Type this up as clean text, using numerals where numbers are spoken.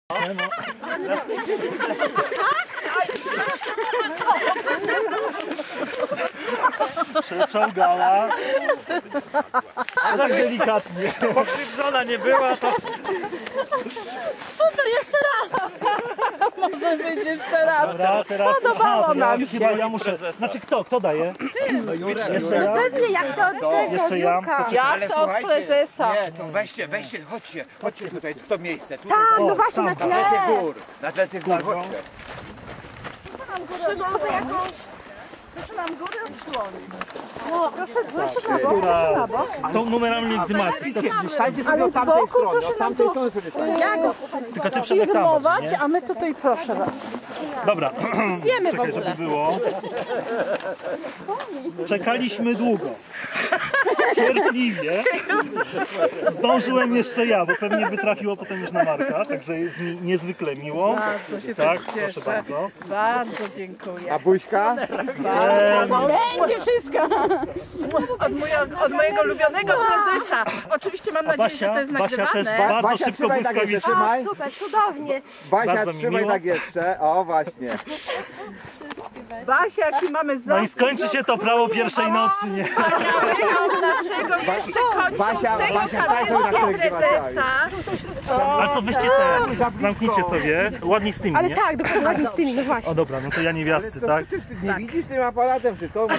Przeczołgała. A tak delikatnie. Pokrzywdzona nie była, to... Super, jeszcze raz! Może być jeszcze raz. Dobra, teraz... Podobało nam się. Chyba ja muszę... Znaczy kto daje? No Jurek. Jeszcze ja? Pewnie, jak to od tego Jeszcze ja? Ja chcę od prezesa. Nie, to weźcie, chodźcie tutaj, w to miejsce. Tutaj, Tam, no właśnie na na tle tle. tych gór, na tle tych gór, chodźcie. Proszę nam górę odsłonić. No, proszę na bok, Góra. proszę na bok. Tą numerami legitymacji. Stańcie sobie Ale od z tamtej boku strony, proszę od nam tamtej tu strony sobie stańcie. Tylko ty Przemek tam filmować, nie? a my tutaj proszę was. Dobra. Zjemy w Czekaj, ogóle. żeby było. Czekaliśmy długo. Cierpliwie. Zdążyłem jeszcze ja, bo pewnie by trafiło potem już na Marka, także jest mi niezwykle miło. Bardzo się Tak, też proszę cieszę. bardzo. Bardzo dziękuję. A buźka? Będzie wszystko. Od mojego ulubionego prezesa. Oczywiście mam nadzieję, że to jest Basia też nagrywane. bardzo Basia, szybko trzymaj tak jeszcze, błyskawicznie. trzymaj. Super, cudownie. Basia, Bardzo mi trzymaj miło. tak jeszcze, o właśnie. Basia, jaki mamy No i skończy się to prawo pierwszej nocy, nie? naszego jeszcze Basia, tak to na których prezesa. Ale to weźcie te, zamknijcie sobie, ładnie z tymi, Ale nie? tak, dokładnie z tymi, no właśnie. O dobra, no to ja niewiasty, tak? Ty nie widzisz tym aparatem, czy to?